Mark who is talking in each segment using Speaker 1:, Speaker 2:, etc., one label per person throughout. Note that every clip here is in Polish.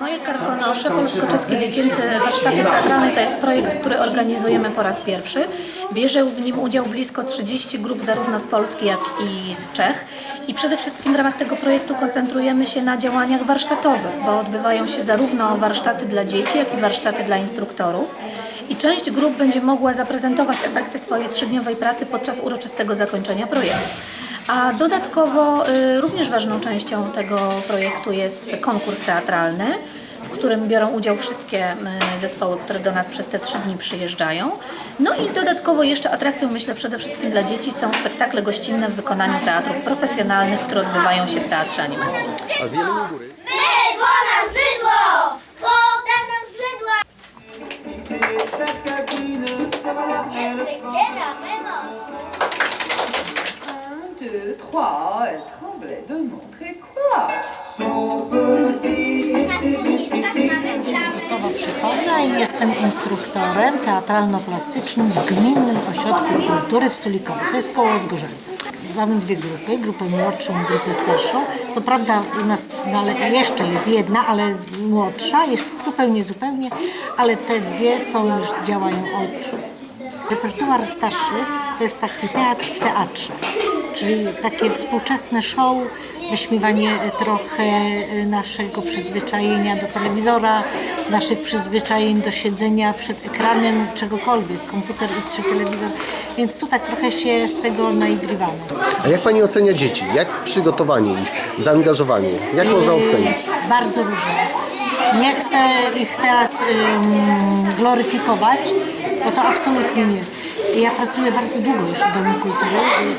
Speaker 1: Moje Karkonosze, Polsko-Czeskie Dziecięce Warsztaty Teatralne to jest projekt, który organizujemy po raz pierwszy. Bierze w nim udział blisko 30 grup zarówno z Polski, jak i z Czech. I przede wszystkim w ramach tego projektu koncentrujemy się na działaniach warsztatowych, bo odbywają się zarówno warsztaty dla dzieci, jak i warsztaty dla instruktorów. I część grup będzie mogła zaprezentować efekty swojej 3-dniowej pracy podczas uroczystego zakończenia projektu. A dodatkowo również ważną częścią tego projektu jest konkurs teatralny, w którym biorą udział wszystkie zespoły, które do nas przez te 3 dni przyjeżdżają. No i dodatkowo jeszcze atrakcją, myślę, przede wszystkim dla dzieci są spektakle gościnne w wykonaniu teatrów profesjonalnych, które odbywają się w Teatrze Animacji.
Speaker 2: A z Jeleniej Góry?
Speaker 3: Mydło nam skrzydło! Woda nam skrzydła! Wycieramy nos.
Speaker 4: 1, 2, 3, elle tremblait de montrer quoi?
Speaker 3: Na spódniczkach mamy
Speaker 5: Sława Przychodnia i jestem instruktorem teatralno-plastycznym w Gminnym Ośrodku Kultury w Sulikowie. To jest koło Zgorzelca. Mamy 2 grupy, grupę młodszą i grupę starszą. Co prawda u nas jeszcze jest jedna, ale młodsza, jest zupełnie, ale te 2 są już działają od... Repertuar starszy to jest taki teatr w teatrze, czyli takie współczesne show, wyśmiewanie trochę naszego przyzwyczajenia do telewizora, naszych przyzwyczajeń do siedzenia przed ekranem czegokolwiek, komputer czy telewizor, więc tu tak trochę się z tego naigrywamy.
Speaker 2: A jak Pani ocenia dzieci? Jak przygotowanie ich, zaangażowanie? Jak można ocenić?
Speaker 5: Bardzo różne. Nie chcę ich teraz gloryfikować, bo to absolutnie nie. Ja pracuję bardzo długo już w Domu Kultury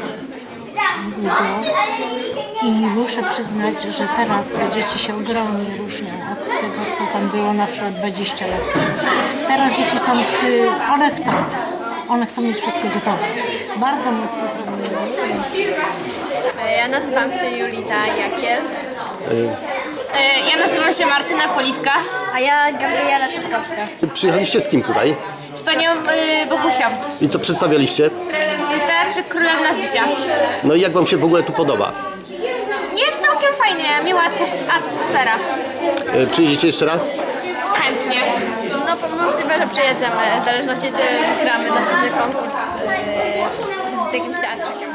Speaker 5: i muszę przyznać, że teraz te dzieci się ogromnie różnią od tego, co tam było na przykład 20 lat temu. Teraz dzieci są one chcą mieć wszystko gotowe. Bardzo mocno planują.
Speaker 6: Ja nazywam się Julita Jakiel. Ja nazywam się Martyna Poliwka.
Speaker 3: A ja Gabriela Szutkowska.
Speaker 2: Przyjechaliście z kim tutaj?
Speaker 6: Z panią Bogusią.
Speaker 2: I co przedstawialiście?
Speaker 6: W Teatrze Królewna Zysia.
Speaker 2: No i jak Wam się w ogóle tu podoba?
Speaker 6: Jest całkiem fajnie, miła atmosfera.
Speaker 2: Przyjedziecie jeszcze raz?
Speaker 6: Chętnie. No możliwe, że przyjedziemy, w zależności czy wygramy następny konkurs z jakimś teatrem.